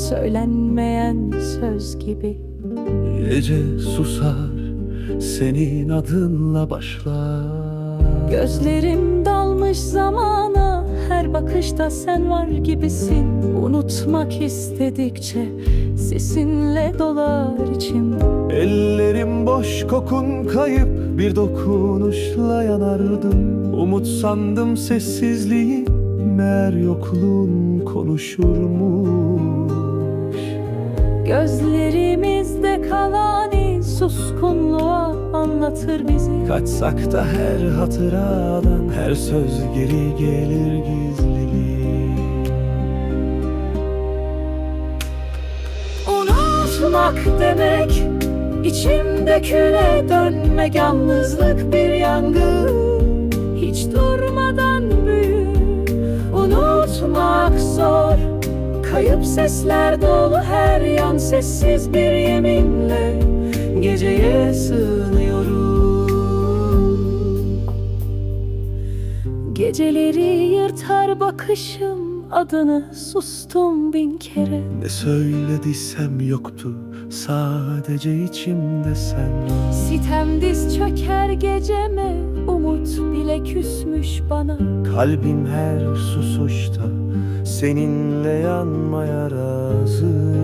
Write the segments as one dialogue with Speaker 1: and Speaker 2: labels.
Speaker 1: söylenmeyen söz gibi.
Speaker 2: Gece susar, senin adınla başlar.
Speaker 1: Gözlerim dalmış zamana, her bakışta sen var gibisin. Unutmak istedikçe sesinle dolar içim.
Speaker 2: Ellerim boş, kokun kayıp, bir dokunuşla yanardım. Umut sandım sessizliği, meğer yokluğun konuşurmuş.
Speaker 1: Gözlerimizde kalan iz suskunluğa anlatır bizi.
Speaker 2: Kaçsak da her hatıradan, her söz geri gelir gizliliği.
Speaker 1: Unutmak demek, içimde küle dönmek, yalnızlık bir yangın, hiç durmadan büyür. Unutmak zor, kayıp sesler dolu her yan, sessiz bir yeminle geceye sığınıyorum. Geceleri yırtar bakışım, adını sustum bin kere.
Speaker 2: Ne söylediysem yoktu, sadece içimde sen.
Speaker 1: Sitem diz çöker geceme, umut bile küsmüş bana.
Speaker 2: Kalbim her susuşta seninle yanmaya razı.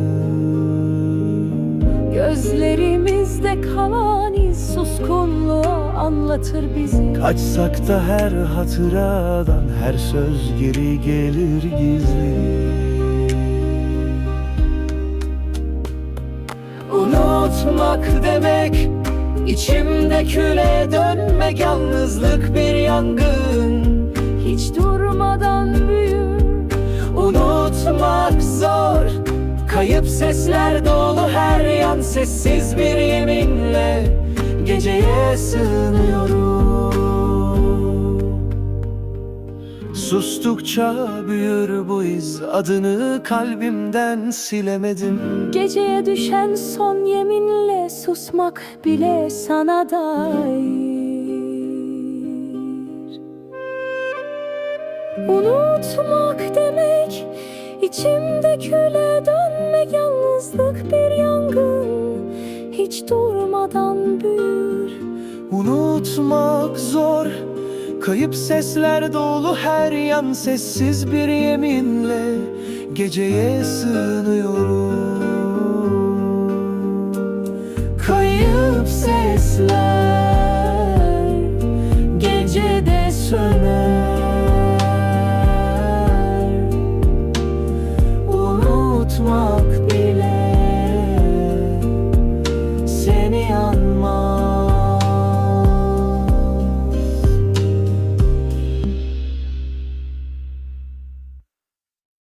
Speaker 1: Gözlerimizde kalan iz suskunluğa anlatır bizi.
Speaker 2: Kaçsak da her hatıradan, her söz geri gelir gizli.
Speaker 1: Unutmak demek, içimde küle dönmek, yalnızlık bir yangın, hiç durmadan büyür. Unutmak zor, kayıp sesler dolu her yan, sessiz bir yeminle geceye sığınıyorum.
Speaker 2: Sustukça büyür bu iz, adını kalbimden silemedim.
Speaker 1: Geceye düşen son yeminle susmak bile sana dair. Unutmak demek, içimde küle dönmek, yalnızlık bir yangın, hiç durmadan büyür.
Speaker 2: Unutmak zor, kayıp sesler dolu her yan, sessiz bir yeminle geceye sığınıyorum.